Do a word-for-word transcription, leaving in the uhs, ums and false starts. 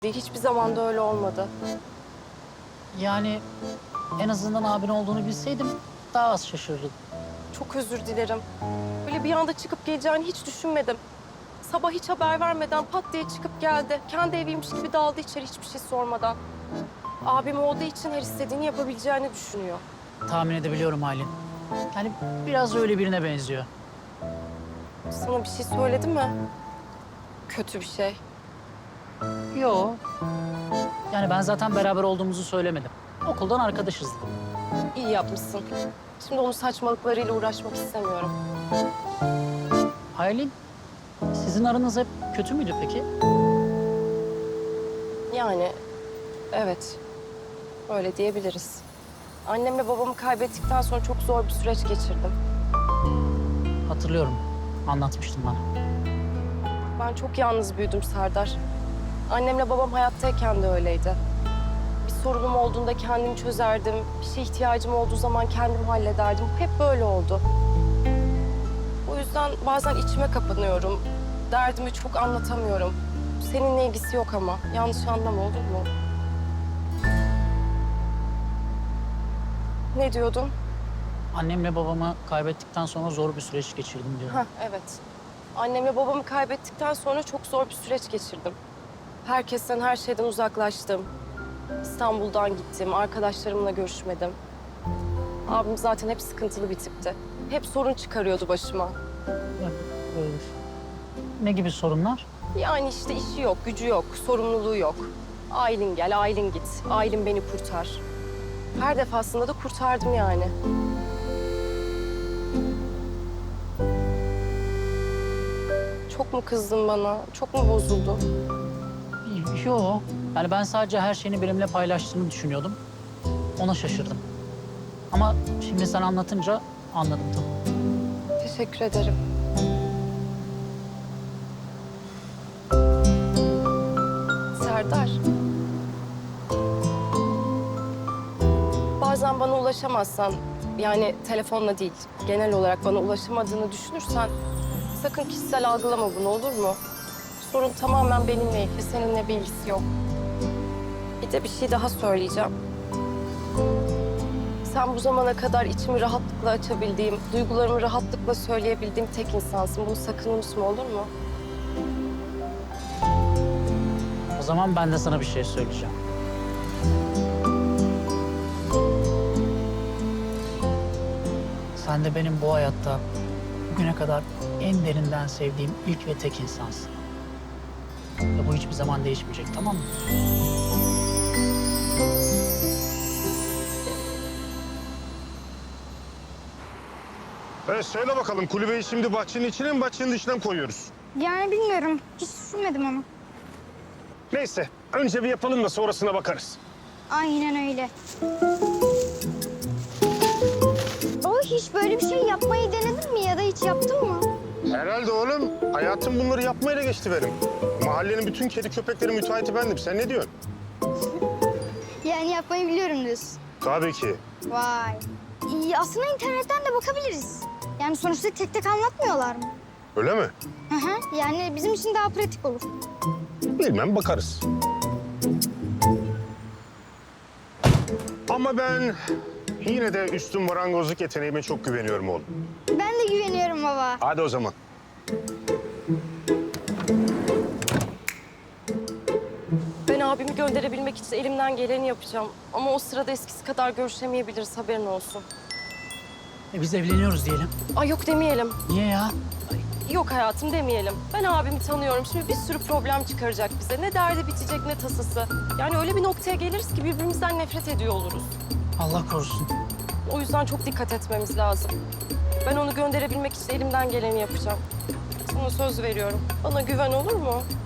Hiçbir zaman da öyle olmadı. Yani en azından abin olduğunu bilseydim daha az şaşırırdım. Çok özür dilerim. Böyle bir anda çıkıp geleceğini hiç düşünmedim. Sabah hiç haber vermeden pat diye çıkıp geldi. Kendi eviymiş gibi daldı içeri hiçbir şey sormadan. Abim olduğu için her istediğini yapabileceğini düşünüyor. Tahmin edebiliyorum Aylin. Yani biraz öyle birine benziyor. Sana bir şey söyledi mi? Kötü bir şey. Yo. Yani ben zaten beraber olduğumuzu söylemedim. Okuldan arkadaşız dedim. İyi yapmışsın. Şimdi onun saçmalıklarıyla uğraşmak istemiyorum. Aylin, sizin aranız hep kötü müydü peki? Yani evet, öyle diyebiliriz. Annemle babamı kaybettikten sonra çok zor bir süreç geçirdim. Hatırlıyorum. Anlatmıştın bana. Ben çok yalnız büyüdüm Serdar. Annemle babam hayattayken de öyleydi. Bir sorunum olduğunda kendim çözerdim. Bir şeye ihtiyacım olduğu zaman kendim hallederdim. Hep böyle oldu. O yüzden bazen içime kapanıyorum. Derdimi çok anlatamıyorum. Seninle ilgisi yok ama. Yanlış anlama, olur mu? Ne diyordun? Annemle babamı kaybettikten sonra zor bir süreç geçirdim diyorum. Hah, evet. Annemle babamı kaybettikten sonra çok zor bir süreç geçirdim. Herkesten, her şeyden uzaklaştım. İstanbul'dan gittim, arkadaşlarımla görüşmedim. Abim zaten hep sıkıntılı bir tipti. Hep sorun çıkarıyordu başıma. Ya, e, ne gibi sorunlar? Yani işte işi yok, gücü yok, sorumluluğu yok. Aylin gel, Aylin git. Aylin beni kurtar. Her defasında da kurtardım yani. Çok mu kızdın bana? Çok mu bozuldun? Yo. Yani ben sadece her şeyini benimle paylaştığını düşünüyordum. Ona şaşırdım. Ama şimdi sen anlatınca anladım tabii. Teşekkür ederim. Serdar. Bazen bana ulaşamazsan, yani telefonla değil, genel olarak bana ulaşamadığını düşünürsen sakın kişisel algılama bunu, olur mu? Sorun tamamen benimle ilgili, seninle bir ilgisi yok. Bir de bir şey daha söyleyeceğim. Sen bu zamana kadar içimi rahatlıkla açabildiğim, duygularımı rahatlıkla söyleyebildiğim tek insansın. Bunu sakın unutma, olur mu? O zaman ben de sana bir şey söyleyeceğim. Sen de benim bu hayatta bugüne kadar en derinden sevdiğim ilk ve tek insansın. Ve bu hiçbir zaman değişmeyecek, tamam mı? Evet, söyle bakalım kulübeyi şimdi bahçenin içine mi bahçenin dışına mı koyuyoruz? Yani bilmiyorum. Hiç düşünmedim onu. Neyse önce bir yapalım da sonrasına bakarız. Aynen öyle. O hiç böyle bir şey yapmayı denedin mi ya da hiç yaptın mı? Herhalde oğlum. Hayatım bunları yapmayla geçti benim. Mahallenin bütün kedi köpekleri müteahhiti bendim. Sen ne diyorsun? Yani yapmayı biliyorum diyorsun. Tabii ki. Vay. İyi, aslında internetten de bakabiliriz. Yani sonuçta tek tek anlatmıyorlar mı? Öyle mi? Hı hı. Yani bizim için daha pratik olur. Bilmem bakarız. Ama ben yine de üstün marangozluk yeteneğime çok güveniyorum oğlum. Ben de güveniyorum baba. Hadi o zaman. Ben abimi gönderebilmek için elimden geleni yapacağım. Ama o sırada eskisi kadar görüşemeyebiliriz, haberin olsun. E biz evleniyoruz diyelim. Ay yok demeyelim. Niye ya? Yok hayatım demeyelim. Ben abimi tanıyorum. Şimdi bir sürü problem çıkaracak bize. Ne derdi bitecek ne tasası. Yani öyle bir noktaya geliriz ki birbirimizden nefret ediyor oluruz. Allah korusun. O yüzden çok dikkat etmemiz lazım. Ben onu gönderebilmek için elimden geleni yapacağım. Sana söz veriyorum. Bana güven, olur mu?